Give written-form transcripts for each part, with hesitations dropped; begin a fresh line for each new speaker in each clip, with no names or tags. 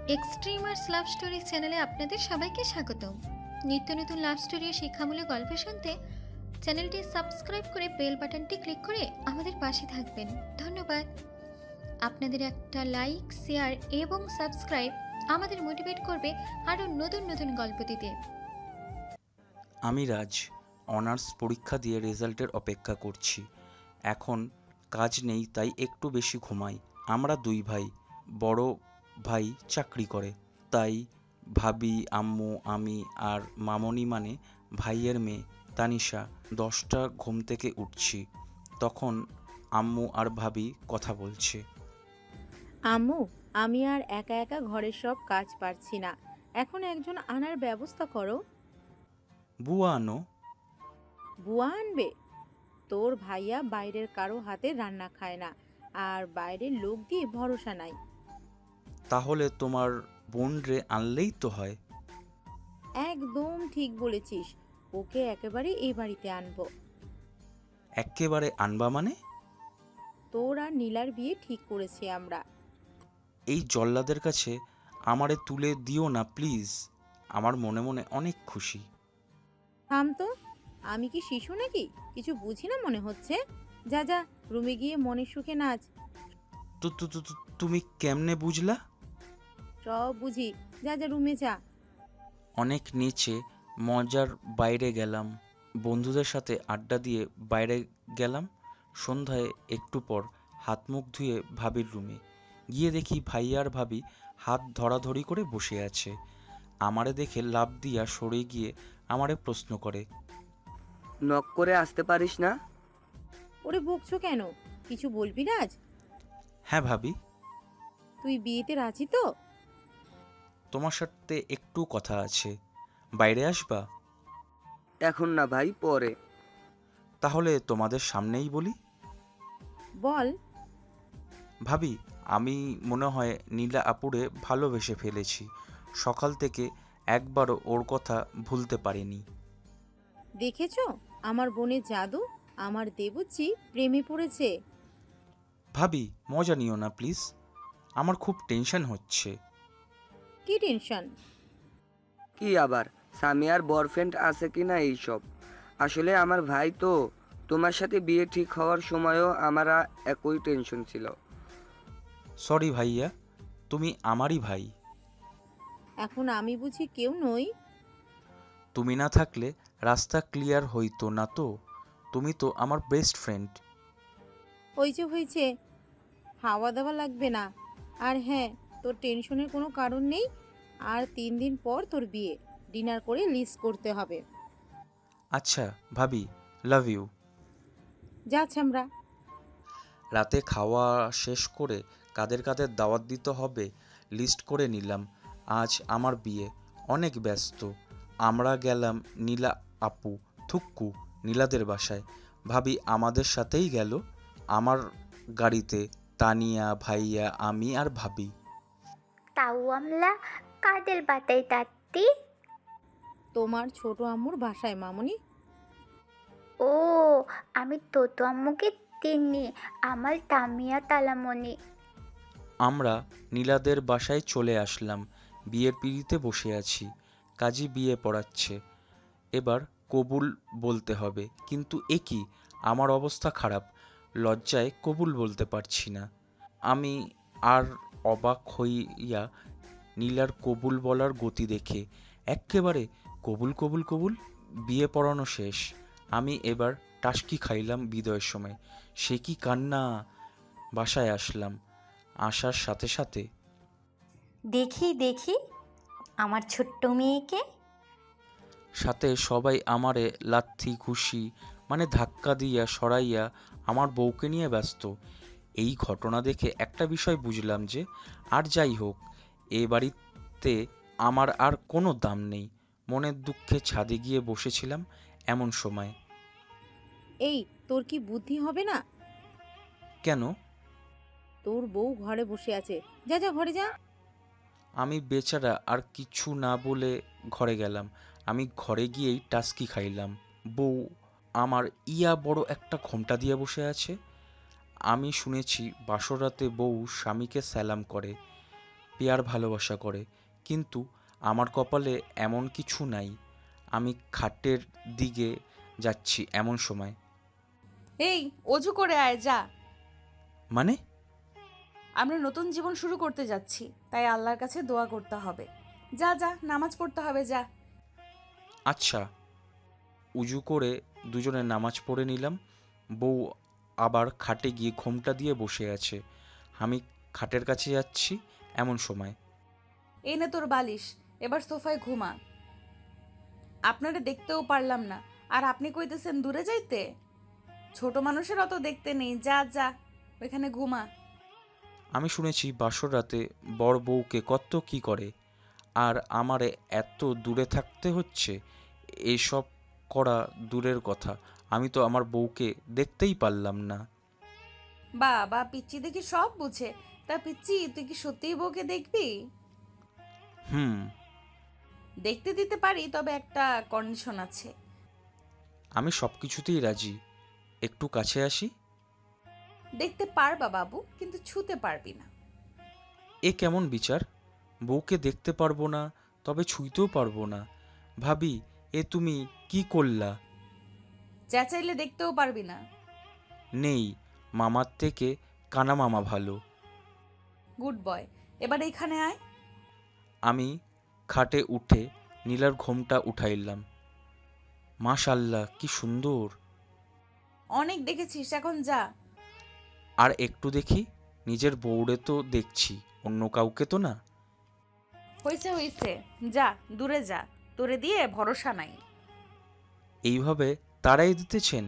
Extremers love story চ্যানেলে আপনাদের সবাইকে স্বাগতম। নিত্য নতুন লাভ স্টোরি ও শিক্ষামূলক গল্প শুনতে চ্যানেলটি সাবস্ক্রাইব করে বেল বাটনটি ক্লিক করে আমাদের পাশে থাকবেন। ধন্যবাদ। আপনাদের একটা লাইক, শেয়ার এবং সাবস্ক্রাইব আমাদের মোটিভেট করবে আরও নতুন নতুন গল্প দিতে।
আমি রাজ অনার্স পরীক্ষা দিয়ে রেজাল্টের অপেক্ষা করছি। এখন কাজ নেই, তাই একটু বেশি ঘুমাই। আমরা দুই ভাই, বড় ভাই চাকরি করে, তাই ভাবি, আম্মু, আমি আর মামনি মানে ভাইয়ের মেয়ে তানিশা 10টা ঘুম থেকে উঠছি। তখন আম্মু আর ভাবি কথা বলছে।
আম্মু, আমি আর একা একা ঘরের সব কাজ পারছি না। এখন একজন আনার ব্যবস্থা করো।
বুয়া আনো।
বুয়া আনবে? তোর ভাইয়া বাইরের কারো হাতে রান্না খায় না, আর বাইরের লোক দিয়ে ভরসা নাই।
তাহলে তোমার বোন রে আনলেই তো হয়।
একদম ঠিক বলেছিস, ওকে একেবারে এই বাড়িতে আনবো।
এক্কেবারে আনবা মানে?
তোর আর নীলার বিয়ে ঠিক করেছি আমরা।
এই জল্লাদের কাছে আমারে তুলে দিও না প্লিজ। আমার মনে মনে অনেক খুশি।
থাম তো, আমি কি শিশু নাকি? কিছু বুঝি না মনে হচ্ছে। যা যা, রুমে গিয়ে মনের সুখে নাচ।
তুমি কেমনে বুঝলা?
সব বুঝি, যা যা রুমে যা।
অনেক নিচে মজার বাইরে গেলাম, বন্ধুদের সাথে আড্ডা দিয়ে বাইরে গেলাম। সন্ধ্যায় একটু পর হাত মুখ ধুয়ে ভাবির রুমে গিয়ে দেখি ভাইয়া আর ভাবি হাত ধরাধরি করে বসে আছে। আমারে দেখে লাফ দিয়া সরে গিয়ে আমারে প্রশ্ন করে।
নক করে আসতে পারিস না?
ওরে বকছো কেন? কিছু বলবি রাজ?
হ্যাঁ ভাবি।
তুই বিয়েতে রাজি তো?
তোমার সাথে একটু কথা আছে, বাইরে আসবা?
এখন না ভাই, পরে।
তাহলে তোমাদের সামনেই বলি।
বল।
ভাবি, আমি মনে হয় নীলা আপুরে ভালোবেসে ফেলেছি। সকাল থেকে একবারও ওর কথা ভুলতে পারিনি।
দেখেছো আমার বোনের জাদু? আমার দেবুচি প্রেমে পড়েছে।
ভাবি, মজা নিও না প্লিজ, আমার খুব টেনশন হচ্ছে।
কি টেনশন?
কি আবার, সামিয়ার বয়ফ্রেন্ড আছে কিনা এইসব। আসলে আমার ভাই তো, তোমার সাথে বিয়ে ঠিক হওয়ার সময়ও আমার একই টেনশন ছিল।
সরি ভাইয়া, তুমি আমারই ভাই।
এখন আমি বুঝি কেউ নই?
তুমি না থাকলে রাস্তা ক্লিয়ার হইতো না তো। তুমি তো আমার বেস্ট ফ্রেন্ড।
হয়েছে, হাওয়া দাওয়া লাগবে না। আর হ্যাঁ, তোর টেনশনের কোনো কারণ নেই। আর 3 দিন পর তোর বিয়ে, ডিনার করে লিস্ট করতে হবে।
আচ্ছা ভাবি, লাভ ইউ।
যাচ্ছি আমরা।
রাতে খাওয়া শেষ করে কাদের কাদের দাওয়াত দিতে হবে লিস্ট করে নিলাম। আজ আমার বিয়ে, অনেক ব্যস্ত। আমরা গেলাম নীলা আপু, থুক্কু, নীলাদের বাসায়। ভাবি আমাদের সাথেই গেল, আমার গাড়িতে। তানিয়া, ভাইয়া, আমি আর ভাবি।
তাও আমলা কাদের বাতাই তাত্তি?
তোমার ছোট আম্মুর বাসায় মামুনি।
ও, আমি তোতো আম্মুকে চিনি, আমার তামিয়া তালামণি।
আমরা নীলাদের বাসায় চলে আসলাম। বিয়ের পিঁড়িতে বসে আছি, কাজী বিয়ে পড়াচ্ছে। এবার কবুল বলতে হবে, কিন্তু এ কি, আমার অবস্থা খারাপ, লজ্জায় কবুল বলতে পারছি না। আমি আর অবাক হইয়া নীলার কবুল বলার গতি দেখে এক্কেবারে কবুল কবুল কবুল। বিয়ে পড়ানো শেষ, আমি এবার টাসকি খাইলাম বিদায়ের সময়। সে কি কান্না! বাসায় আসলাম, আসার সাথে সাথে
দেখি দেখি আমার ছোট্ট মেয়েকে।
সাথে সবাই আমারে লাথি ঘুষি মানে ধাক্কা দিয়া সরাইয়া আমার বউকে নিয়ে ব্যস্ত। এই ঘটনা দেখে একটা বিষয় বুঝলাম যে, আর যাই হোক, এ বাড়িতে আমার আর কোনো দাম নেই। মনের দুঃখে ছাদে গিয়ে বসেছিলাম এমন সময়।
এই, তোর কি বুদ্ধি হবে না?
কেন?
তোর বউ ঘরে বসে আছে, যা যা ঘরে যা।
আমি বেচারা আর কিছু না বলে ঘরে গেলাম। আমি ঘরে গিয়েই টাস্কি খাইলাম। বউ আমার ইয়া বড় একটা ঘোমটা দিয়ে বসে আছে। আমি শুনেছি বাসর রাতে বউ স্বামীকে সালাম করে। পেয়ার ভালোবাসা করে, কিন্তু আমার কপালে এমন কিছু নাই। আমি খাটের দিকে যাচ্ছি এমন সময়।
এই, অজু করে আয় যা।
মানে?
আমরা নতুন জীবন শুরু করতে যাচ্ছি, তাই আল্লাহর কাছে দোয়া করতে হবে। যা যা, নামাজ পড়তে হবে, যা।
আচ্ছা। উজু করে দুজনে নামাজ পড়ে নিলাম। বউ আবার খাটে গিয়ে ঘোমটা দিয়ে বসে আছে। আমি খাটের কাছে যাচ্ছি এমন সময়।
এই নে তোর বালিশ, এবার সোফায় ঘুমা। আপনারা দেখতেও পারলাম না, আর আপনি কইতেছেন দূরে যাইতে? ছোট মানুষের অত দেখতে নেই, যা যা, ওইখানে ঘুমা।
আমি শুনেছি বাসর রাতে বর বউকে কত কি করে, আর আমারে এত দূরে থাকতে হচ্ছে। এসব করা দূরের কথা, আমি তো আমার বউকে দেখতেই পারলাম না।
বা পিচ্চি দেখি সব বুঝে। তা পিচ্চি, তুই কি সত্যিই বউকে দেখবি?
হুম।
দেখতে দিতে পারি, তবে একটা কন্ডিশন আছে।
আমি সব কিছুতেই রাজি। একটু কাছে আসি।
দেখতে পারবা বাবু, কিন্তু ছুতে পারবি না।
এ কেমন বিচার? বউকে দেখতে পারবো না, তবে ছুঁইতেও পারবো না? ভাবি, এ তুমি কি করলা?
চেঁচাইলে দেখতেও পারবি না।
নেই, মামার থেকে কানা মামা ভালো।
গুড বয়, এবার এইখানে আয়।
আমি খাটে উঠে নীলার ঘোমটা উঠাইলাম। মাশাল্লাহ, কি সুন্দর!
অনেক দেখেছিস, এখন যা।
আর একটু দেখি। নিজের বউরে তো দেখছি, অন্য কাউকে তো না।
হয়েছে হয়েছে, যা, দূরে যা। তোরে দিয়ে ভরসা নাই।
এইভাবে তারাই দিতেছেন?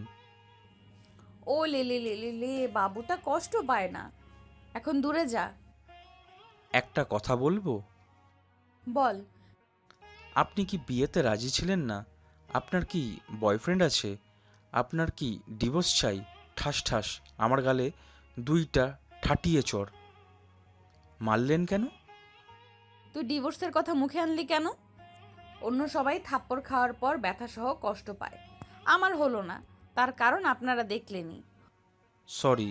ও লে লে লে লে লে, বাবুটা কষ্ট পায় না। এখন দূরে যা।
একটা কথা বলবো?
বল।
আপনি কি বিয়েতে রাজি ছিলেন না? আপনার কি বয়ফ্রেন্ড আছে? আপনার কি ডিভোর্স চাই? ঠাস ঠাস আমার গালে দুইটা ঠাটিয়ে চড়। মারলেন কেন?
তুই ডিভোর্সের কথা মুখে আনলি কেন? অন্য সবাই থাপ্পড় খাওয়ার পর ব্যথা সহ কষ্ট পায়, আমার হলো না। তার কারণ আপনারা দেখলেনই।
সরি।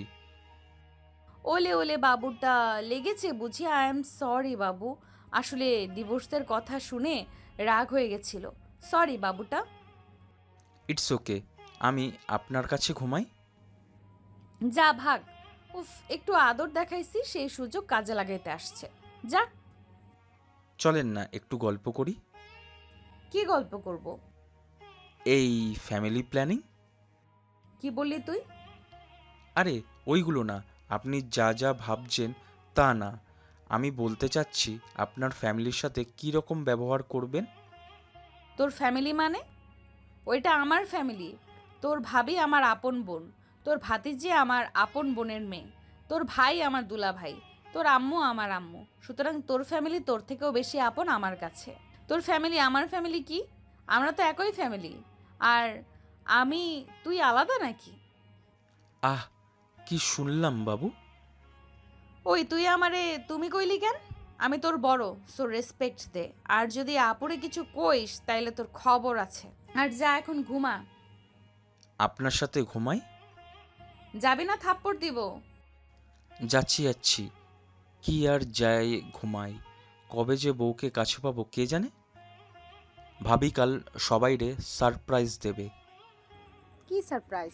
ওলে ওলে, বাবুটা লেগেছে বুঝি। আই এম সরি বাবু, আসলে ডিভোর্সের কথা শুনে রাগ হয়ে গেছিল। সরি বাবুটা।
It's okay. আমি আপনার কাছে ঘুমাই।
যা ভাগ। উফ, একটু আদর দেখাইছি, সেই সুযোগ কাজে লাগাইতে আসছে। যা।
চলেন না একটু গল্প করি।
কি গল্প করব?
এই ফ্যামিলি প্ল্যানিং।
কি বললি তুই?
আরে ওইগুলো না, আপনি যা যা ভাবছেন তা না। আমি বলতে চাচ্ছি আপনার ফ্যামিলির সাথে কী রকম ব্যবহার করবেন।
তোর ফ্যামিলি মানে? ওইটা আমার ফ্যামিলি। তোর ভাবি আমার আপন বোন, তোর ভাতিজি আমার আপন বোনের মেয়ে, তোর ভাই আমার দুলা ভাই, তোর আম্মু আমার আম্মু। সুতরাং তোর ফ্যামিলি তোর থেকেও বেশি আপন আমার কাছে। তোর ফ্যামিলি আমার ফ্যামিলি কি? আমরা তো একই ফ্যামিলি। আর আমি, তুই আলাদা নাকি?
আহ, কি শুনলাম বাবু?
ওই, তুই আমারে তুমি কইলি কেন? আমি তোর বড়, সো রেসপেক্ট দে। আর যদি আপুরে কিছু কইস তাইলে তোর খবর আছে। আর যা, এখন ঘুমা।
আপনার সাথে ঘুমাই?
যাবি না থাপ্পড় দিব?
যাচ্ছি যাচ্ছি। কি আর যায় ঘুমাই। কবে যে বউকে কাছে পাবো কে জানে। ভাবি কাল সবাইরে সারপ্রাইজ দেবে।
কি সারপ্রাইজ?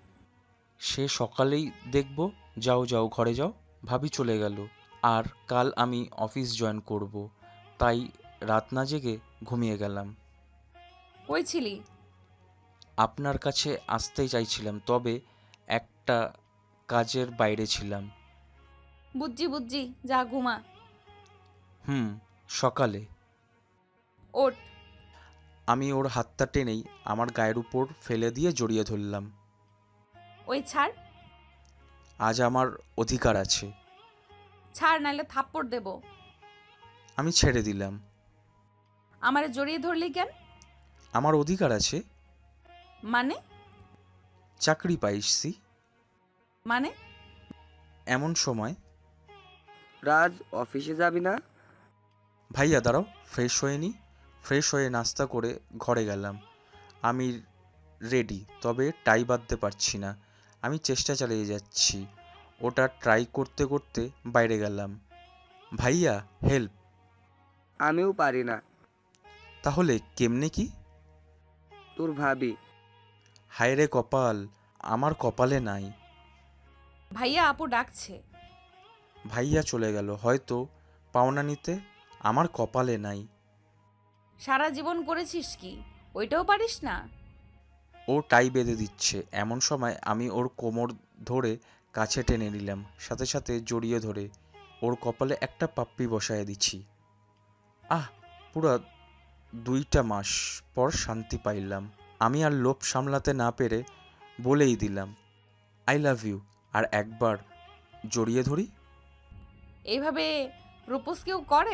সে সকালেই দেখব। যাও যাও, ঘরে যাও। ভাবি চলে গেল। আর কাল আমি অফিস জয়েন করব, তাই রাত না জেগে ঘুমিয়ে গেলাম।
কই ছিলি?
আপনার কাছে আসতেই চাইছিলাম, তবে একটা কাজের বাইরে ছিলাম।
বুঝছি বুঝছি, যা ঘুমা।
হুম, সকালে।
ওঠ।
আমি ওর হাতটা টেনেই আমার গায়ের উপর ফেলে দিয়ে জড়িয়ে ধরলাম।
ওই ছাড়।
আজ আমার অধিকার আছে।
ছাড়, নাইলে থাপ্পড় দেব।
আমি ছেড়ে দিলাম।
আমারে জড়িয়ে ধরলি কেন?
আমার অধিকার আছে।
মানে?
চাকরি পাইছি।
মানে?
এমন সময়।
রাজ, অফিসে যাবি না?
ভাইয়া দাঁড়াও, ফ্রেশ হয়ে নি। ফ্রেশ হয়ে নাস্তা করে ঘরে গেলাম। আমি রেডি, তবে টাই বাঁধতে পারছি না। আমি চেষ্টা চালিয়ে যাচ্ছি। ওটা ট্রাই করতে করতে বাইরে গেলাম। ভাইয়া হেল্প।
আমিও পারি না।
তাহলে কেমনে কি?
তোর ভাবি।
হায় রে কপাল, আমার কপালে নাই।
ভাইয়া আপু ডাকছে।
ভাইয়া চলে গেল হয়তো পাওনা নিতে, আমার কপালে নাই।
সারা জীবন করেছিস কি, ওইটাও পারিস না?
ও টাই বেঁধে দিচ্ছে, এমন সময় আমি ওর কোমর ধরে কাছে টেনে নিলাম, সাথে সাথে জড়িয়ে ধরে ওর কপালে একটা পাপ্পি বসায় দিচ্ছি। আহ, পুরা 2টা মাস পর শান্তি পাইলাম। আমি আর লোভ সামলাতে না পেরে বলেই দিলাম আই লাভ ইউ, আর একবার জড়িয়ে ধরি।
এইভাবে প্রপোজ কেউ করে?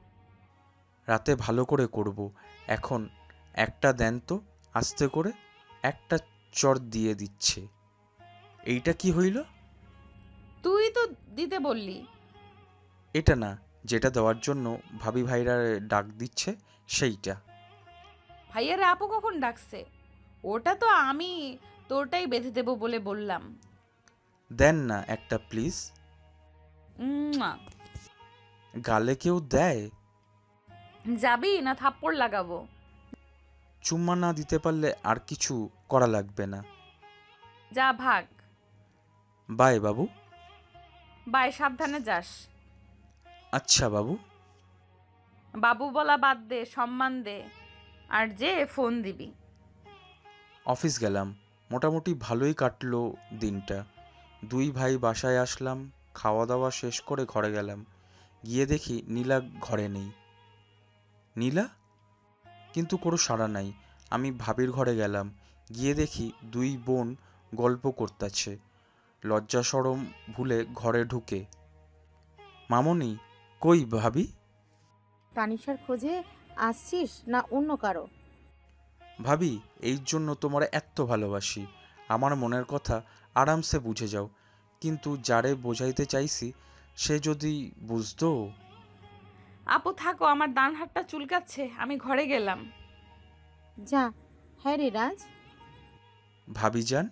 রাতে ভালো করে করব। এখন একটা দেন তো, আস্তে করে। একটা চড় দিয়ে দিচ্ছে। এইটা কি হইল?
তুই তো দিতে বললি।
এটা না, যেটা দেওয়ার জন্য ভাবি ভাইরা ডাক দিচ্ছে সেইটা।
ভাইয়ারে আপু কখন ডাকছে? ওটা তো আমি তোরটাই বেঁধে দেবো বলে বললাম।
দেন না একটা প্লিজ।
উম্মুয়া।
গালে কেউ দেয়?
যাবি না থাপ্পড় লাগাবো?
চুম্মা না দিতে পারলে আর কিছু করা লাগবে না।
যা ভাগ।
বাই বাবু।
বাই, সাবধানে যাস।
আচ্ছা বাবু।
বাবু বলা বাদ দে, সম্মান দে। আর যে ফোন দিবি।
অফিস গেলাম, মোটামুটি ভালোই কাটলো দিনটা। 2 ভাই বাসায় আসলাম, খাওয়া দাওয়া শেষ করে ঘরে গেলাম। গিয়ে দেখি নীলা ঘরে নেই। নীলা? কিন্তু কোনো সাড়া নাই। আমি ভাবির ঘরে গেলাম, গিয়ে দেখি 2 বোন গল্প করতেছে। লজ্জা শরম ভুলে ঘরে ঢুকে, মামনি কই ভাবি?
তানিশার খোঁজে আসছিস না অন্য কারো?
ভাবি, এই জন্য তোমার এত ভালোবাসি। আমার মনের কথা আরামসে বুঝে যাও, কিন্তু যারে বোঝাইতে চাইছি সে যদি বুঝতো।
আপু থাকো, আমার ডান হাতটা চুলকাচ্ছে, আমি ঘরে গেলাম।
যা। হ্যাঁ রে রাজ।
ভাবিজান?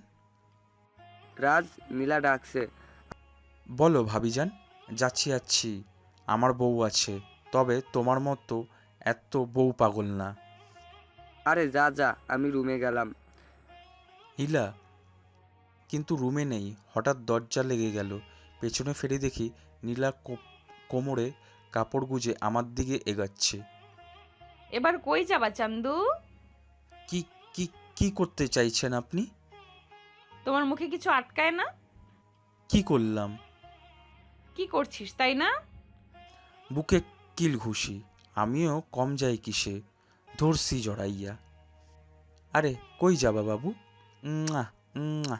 রাজ, নীলা ডাকছে।
বলো ভাবিজান। যাচ্ছি যাচ্ছি, আমার বউ আছে, তবে তোমার মতো এত বউ পাগল না।
আরে যা যা, আমি রুমে গেলাম।
নীলা কিন্তু রুমে নেই। হঠাৎ দরজা লেগে গেল, পেছনে ফিরে দেখি নীলা কোমরে কাপড় গুজে আমার দিকে এগাচ্ছে।
এবার কই যাবা চান্দু?
কি কি কি করতে চাইছেন আপনি?
তোমার মুখে কিছু আটকায় না?
কি করলাম?
কি করছিস তাই না?
বুকে কিল ঘুষি। আমিও কম যাই কিসে, ধরছি জড়াইয়া। আরে কই যাবা বাবু? উম্মুয়া, উম্মুয়া।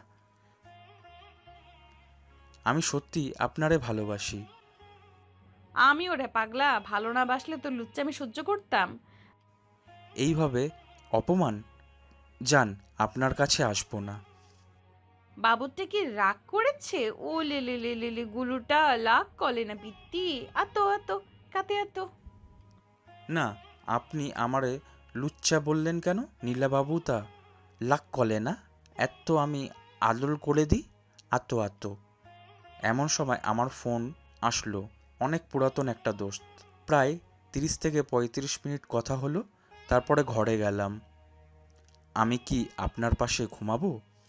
আমি সত্যি আপনারে ভালোবাসি।
আমি ওরে পাগলা, ভালো না বাসলে তো লুচ্চামি সহ্য করতাম।
এইভাবে অপমান? যান, আপনার কাছে আসবো না।
বাবুরটা কি রাগ করেছে? ও লে লে লে লে লে, গুলুটা লাগ কলে না পিত্তি। আতো আতো কাতে আতো।
না, আপনি আমারে লুচ্চা বললেন কেন? নীলাবাবু তা লাক কলে না, এত আমি আদল করে দিই। আতো আতো। এমন সময় আমার ফোন আসলো। অনেক পুরাতন একটা দোস্ত। প্রায় 30 থেকে 35 মিনিট কথা হলো, তারপরে ঘরে গেলাম। আমি কি আপনার পাশে ঘুমাবো?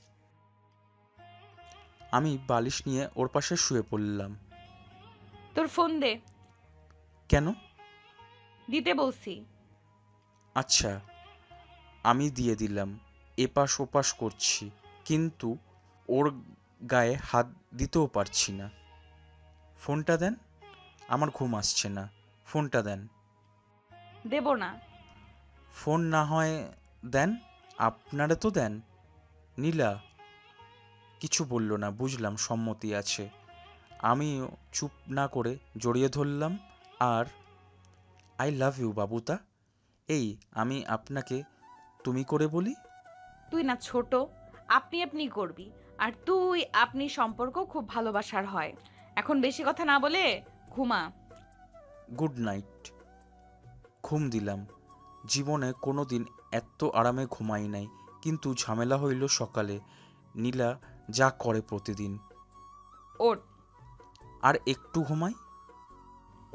আমি বালিশ নিয়ে ওর পাশে শুয়ে পড়লাম।
তোর ফোন দে।
কেন?
দিতে বলছি।
আচ্ছা, আমি দিয়ে দিলাম। এপাশ ওপাশ করছি, কিন্তু ওর গায়ে হাত দিতেও পারছি না। ফোনটা দেন, আমার ঘুম আসছে না। ফোনটা দেন।
দেব না।
ফোন না হয় দেন, আপনারা তো দেন। নীলা কিছু বলল না, বুঝলাম সম্মতি আছে। আমিও চুপ না করে জড়িয়ে ধরলাম। আর আই লাভ ইউ বাবুতা। এই আমি আপনাকে তুমি করে বলি।
তুই না ছোট, আপনি আপনি করবি। আর তুই আপনি সম্পর্ক খুব ভালোবাসার হয়। এখন বেশি কথা না বলে ঘুমা।
Good night. ঘুম দিলাম। জীবনে কোনো দিন এত আরামে ঘুমাই নাই, কিন্তু ঝামেলা হইল সকালে। নীলা যা করে প্রতিদিন।
ওঠ।
আর একটু ঘুমাই।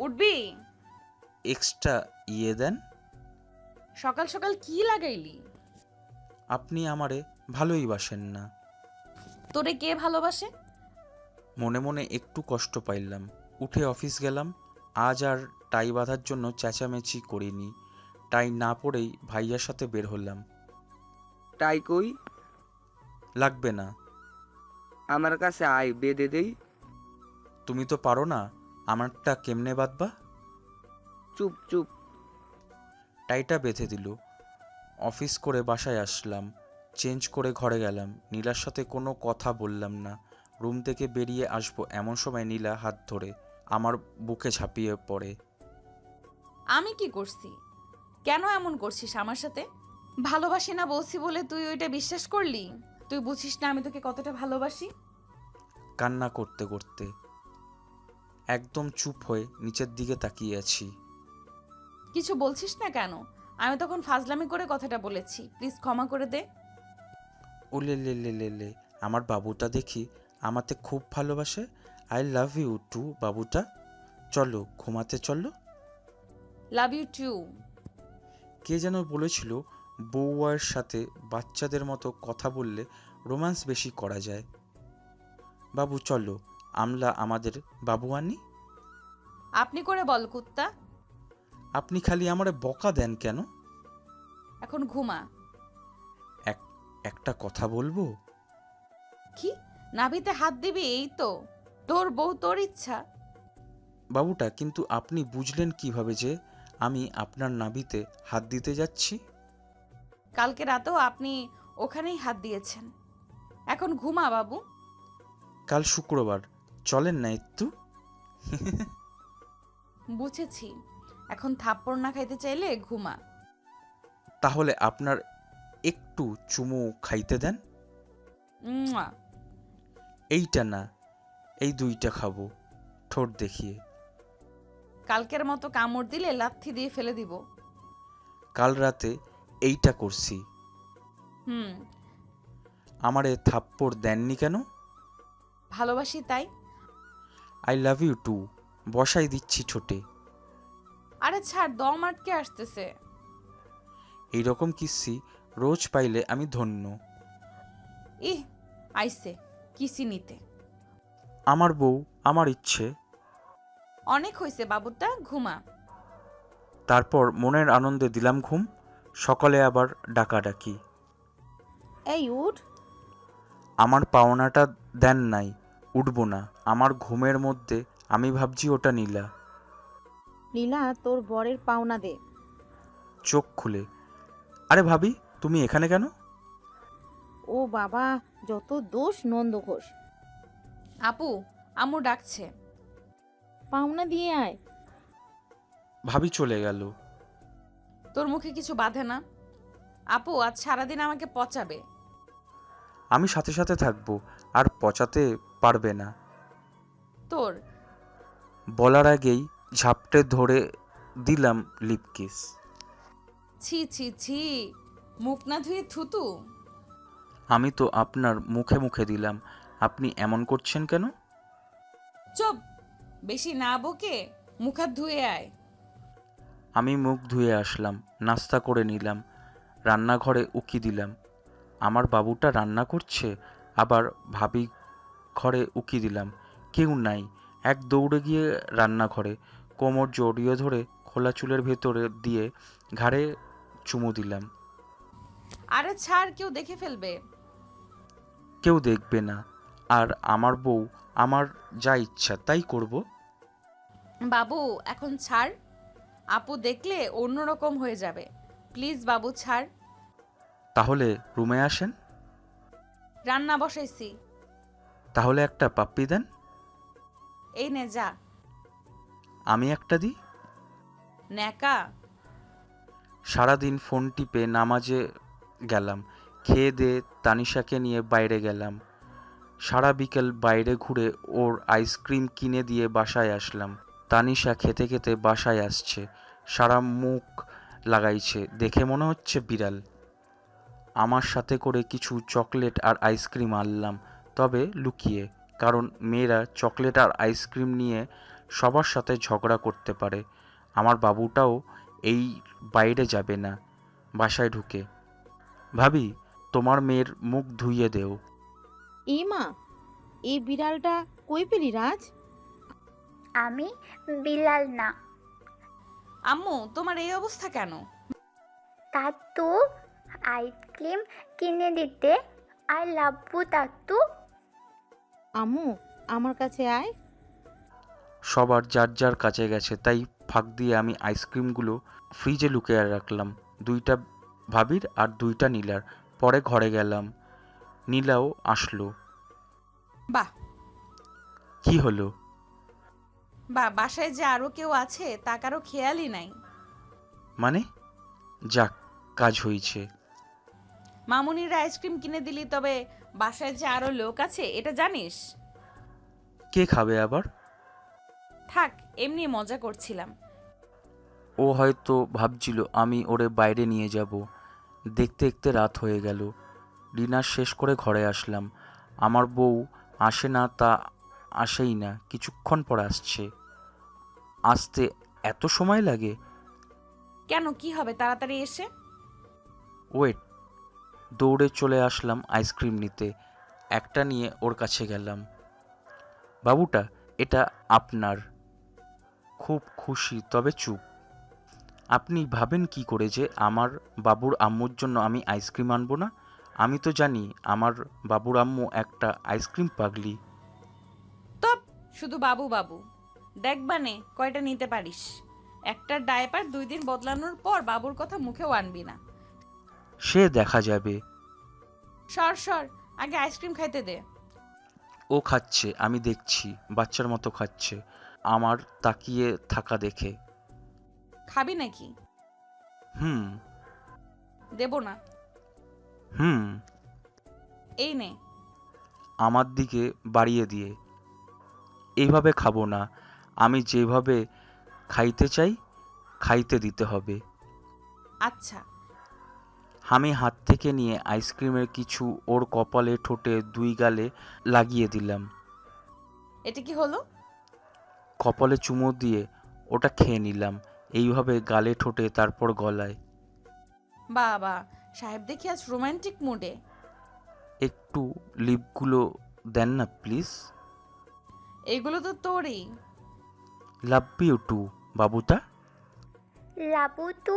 উঠবি?
এক্সট্রা দেন।
সকাল সকাল কি লাগাইলি?
আপনি আমারে ভালোই বাসেন না।
তোরে কে ভালোবাসে?
মনে মনে একটু কষ্ট পাইলাম। উঠে অফিস গেলাম। আজ আর টাই বাঁধার জন্য চেঁচামেচি করিনি। টাই না পরেই ভাইয়ার সাথে বের হলাম।
তাই কই?
লাগবে না।
আমার কাছে আয়, বেঁধে দেই।
তুমি তো পারো না, আমারটা কেমনে বাঁধবা?
চুপ চুপ।
টাইটা বেঁধে দিল। অফিস করে বাসায় আসলাম। চেঞ্জ করে ঘরে গেলাম। নীলার সাথে কোনো কথা বললাম না। রুম থেকে বেরিয়ে আসবো এমন সময় নীলা হাত ধরে আমার বুকে ঝাঁপিয়ে পড়ে।
আমি কি করছি? কেন এমন করছিস আমার সাথে? ভালোবাসি না বলছি বলে তুই ওইটা বিশ্বাস করলি? তুই বুঝিস না আমি তোকে কতটা ভালোবাসি?
কান্না করতে করতে একদম চুপ হয়ে নিচের দিকে তাকিয়ে আছি।
কিছু বলছিস না কেন? আমি তখন ফাজলামি করে কথাটা বলেছি, প্লিজ ক্ষমা করে দে।
ওলে লে লে লে লে, আমার বাবুটা দেখি আমাতে খুব ভালোবাসে। আই লাভ ইউ টু বাবুটা। চলো ঘুমাতে চলো।
Love you two.
কে যেন বলেছিল বউয়ের সাথে বাচ্চাদের মতো কথা বললে রোম্যান্স বেশি করা যায়। বাবু চলো, আমরা আমাদের বাবু আনি।
আপনি করে বল কুত্তা।
আপনি খালি আমারে বকা দেন কেন?
এখন ঘুমা।
একটা কথা বলবো?
কি? নাভিতে হাত দিবি? এই তো তোর বউ, তোর ইচ্ছা।
বাবুটা কিন্তু আপনি বুঝলেন কিভাবে যে আমি আপনার নাভিতে হাত দিতে যাচ্ছি?
কালকে রাতেও আপনি ওখানেই হাত দিয়েছেন। এখন ঘুমা বাবু।
কাল শুক্রবার, চলেন না একটু?
বুঝেছি, এখন থাপ্পড় না খাইতে চাইলে ঘুমা।
তাহলে আপনার একটু চুমু খাইতে দেন।
মুয়া।
এইটা না, এই দুইটা খাবো, ঠোঁট দেখিয়ে।
কালকের মতো কামড় দিলে লাথি দিয়ে ফেলে দিব।
কাল রাতে এইটা করছি।
হুম,
আমারে থাপ্পড় দেননি কেন?
ভালোবাসি তাই।
আই লাভ ইউ টু বসাই দিচ্ছি ঠোঁটে।
আরে ছাড়, দম আটকে আসতেছে।
এইরকম কিস্সি রোজ পাইলে আমি ধন্য।
ইহ, আইসে কিসি নিতে।
আমার বউ, আমার ইচ্ছে।
অনেক হইছে বাবুটা, ঘুমা।
তারপর মনের আনন্দে দিলাম ঘুম। সকালে আবার ডাকাডাকি।
এই উঠ।
আমার পাওনাটা দেন নাই, উঠবো না। আমার ঘুমের মধ্যে আমি ভাবছি ওটা নীলা।
নীলা, তোর বরের পাওনা দে।
চোখ খুলে, আরে ভাবি তুমি এখানে কেন?
ও বাবা, যত দোষ নন্দ ঘোষ।
আপু, আম্মু ডাকছে।
পাওনা দিয়ে আয়।
ভাবি চলে গেল।
তোর মুখে কিছু বাঁধে না? আপু আজ সারাদিন আমাকে পচাবে।
আমি সাথে সাথে থাকবো, আর পচাতে পারবে না।
তোর
বলার আগেই ঝাপটে ধরে দিলাম লিপ কিস।
ছি ছি ছি, মুখ না ধুয়ে থুতু।
আমি তো আপনার মুখে মুখে দিলাম, আপনি এমন করছেন কেন?
চুপ, বেশি না বকে মুখ হাত ধুয়ে আয়।
আমি মুখ ধুয়ে আসলাম, নাস্তা করে নিলাম, রান্নাঘরে উকি দিলাম। আমার বাবুটা রান্না করছে, আবার ভাবি ঘরে উকি দিলাম, কেউ নাই। এক দৌড়ে গিয়ে রান্নাঘরে কোমর জড়িয়ে ধরে খোলা চুলের ভেতরে দিয়ে ঘাড়ে চুমু দিলাম।
আরে ছাড়, কেউ দেখে ফেলবে।
কেউ দেখবে না, আর আমার বউ, আমার যা ইচ্ছা তাই করব।
বাবু এখন ছাড়, আপু দেখলে অন্যরকম হয়ে যাবে। প্লিজ বাবু ছাড়।
তাহলে রুমে আসেন।
রান্না বসাইছি।
তাহলে একটা পাপ্পি দেন।
এই নে যা।
আমি একটা দিই।
ন্যাকা।
সারাদিন ফোন টিপে নামাজে গেলাম, খেয়ে দিয়ে তানিশাকে নিয়ে বাইরে গেলাম। সারা বিকেল বাইরে ঘুরে ওর আইসক্রিম কিনে দিয়ে বাসায় আসলাম। তানিশা খেতে খেতে বাসায় আসছে, সারা মুখ লাগাইছে, দেখে মনে হচ্ছে বিড়াল। আমার সাথে করে কিছু চকলেট আর আইসক্রিম আনলাম, তবে লুকিয়ে, কারণ মেয়েরা চকলেট আর আইসক্রিম নিয়ে সবার সাথে ঝগড়া করতে পারে। আমার বাবুটাও এই বাইরে যাবে না, বাসায় ঢুকে। ভাবি, তোমার মেয়ের মুখ ধুইয়ে দেও।
এই মা, এই বিড়ালটা কই পেলি রাজ?
আমি বিলাল না।
আম্মু, তোমার এই অবস্থা কেন?
তাতু আইসক্রিম কিনে দিতে। আই লাভ ইউ তাতু।
আম্মু, আমার কাছে আয়।
সবার যার যার কাছে গেছে, তাই ফাঁক দিয়ে আমি আইসক্রিমগুলো ফ্রিজে লুকিয়ে রাখলাম। 2টা ভাবির আর 2টা নীলার। পরে ঘরে গেলাম, নীলাও আসলো।
বাহ
কি হলো?
বাসায় যে আরো কেউ আছে তা কারো খেয়ালই নাই।
মানে? যাক, কাজ হয়েছে।
মামুনির আইসক্রিম কিনে দিলি, তবে বাসায় যে আরো লোক আছে এটা জানিস?
কে খাবে আবার?
থাক, এমনি মজা করছিলাম।
ও হয়তো ভাবছিল আমি ওরে বাইরে নিয়ে যাব। দেখতে দেখতে রাত হয়ে গেল। ডিনার শেষ করে ঘরে আসলাম। আমার বউ আসে না তা আসেই না, কিছুক্ষণ পর আসছে। আসতে এত সময় লাগে?
কেন, কি হবে তাড়াতাড়ি এসে?
ওয়েট। দৌড়ে চলে আসলাম আইসক্রিম নিতে। একটা নিয়ে ওর কাছে গেলাম। বাবুটা, এটা আপনার। খুব খুশি, তবে চুপ। আপনি ভাবেন কি করে যে আমার বাবুর আম্মুর জন্য আমি আইসক্রিম আনবো না? আমি তো জানি আমার বাবুর আম্মু একটা আইসক্রিম পাগলি।
তব শুধু বাবু বাবু। দেখবানে কয়টা নিতে পারিস। একটা ডায়পার 2 দিন বদলানোর পর বাবুর কথা মুখেও আনবি না।
সে দেখা যাবে।
সর সর, আগে আইসক্রিম খাইতে দে।
ও খাচ্ছে, আমি দেখছি, বাচ্চার মতো খাচ্ছে আমার তাকিয়ে থাকা দেখে।
খাবি নাকি?
হুম।
দেব না।
হুম।
এই নে।
আমার দিকে বাড়িয়ে দিয়ে। এইভাবে খাবো না, আমি যেভাবে খাইতে চাই খাইতে দিতে হবে।
আচ্ছা।
আমি হাত থেকে নিয়ে আইসক্রিমের কিছু ওর কপালে, ঠোঁটে, 2 গালে লাগিয়ে দিলাম।
এটা কি হলো?
কপালে চুমু দিয়ে ওটা খেয়ে নিলাম, এইভাবে গালে, ঠোঁটে, তারপর গলায়।
বাবা সাহেব দেখি আজ রোমান্টিক মুডে।
একটু লিপগুলো দেন না প্লিজ।
এগুলো তো তোরই।
লাভ ইউ টু, বাবুটা।
লাবু তু।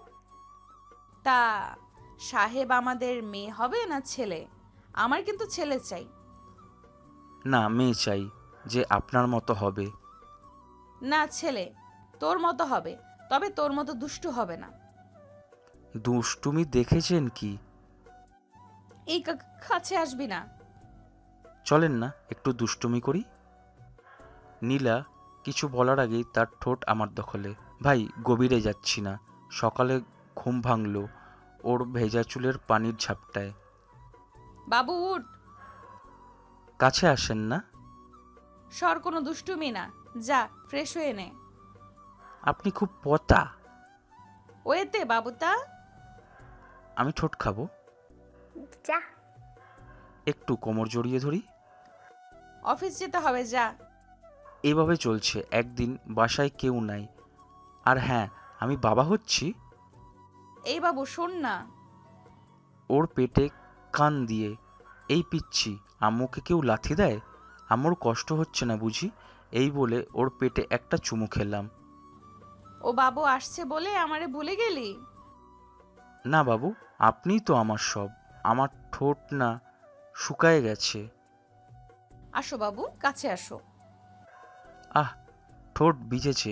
তা সাহেব আমাদের মেয়ে হবে না ছেলে? আমার কিন্তু ছেলে চাই।
না, মেয়ে চাই, যে আপনার মতো হবে।
না, ছেলে তোর মতো হবে, তবে তোর মতো দুষ্টু হবে না।
দুষ্টুমি দেখেছেন কি?
এই কাছে আসবি না।
চলেন না একটু দুষ্টুমি করি। নীলা কিছু বলার আগেই তার ঠোঁট আমার দখলে। ভাই, গভীরে যাচ্ছি না, সকালে ঘুম ভাঙলো ওর ভেজা চুলের পানির ঝাপটায়।
বাবু উঠ।
কাছে আসেন না।
সর, কোনো দুষ্টুমি না, যা ফ্রেশ হয়ে নে।
আপনি খুব পতা।
ওয়েতে বাবুতা।
আমি ঠোঁট খাবো।
যা।
একটু কোমর জড়িয়ে ধরি।
অফিস যেতে হবে, যা।
এভাবে চলছে। একদিন বাসায় কেউ নাই, আর হ্যাঁ, আমি বাবা হচ্ছি।
এই বাবু শোন না।
ওর পেটে কান দিয়ে। এই পিচ্ছি, আম্মুকে কেউ লাথি দেয়? আম্মুর কষ্ট হচ্ছে না বুঝি? এই বলে ওর পেটে একটা চুমু খেলাম।
ও বাবু আসছে বলে আমারে ভুলে গেলি?
না বাবু, আপনিই তো আমার সব। আমার ঠোঁট না শুকায় গেছে।
আসো বাবু, কাছে আসো।
আহ, ঠোঁট ভিজেছে।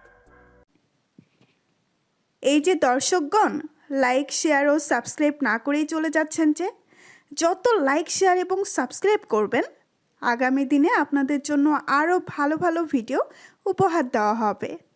এই যে দর্শকগণ, লাইক, শেয়ার ও সাবস্ক্রাইব না করেই চলে যাচ্ছেন যে, যত লাইক, শেয়ার এবং সাবস্ক্রাইব করবেন, আগামী দিনে আপনাদের জন্য আরও ভালো ভালো ভিডিও উপহার দেওয়া হবে।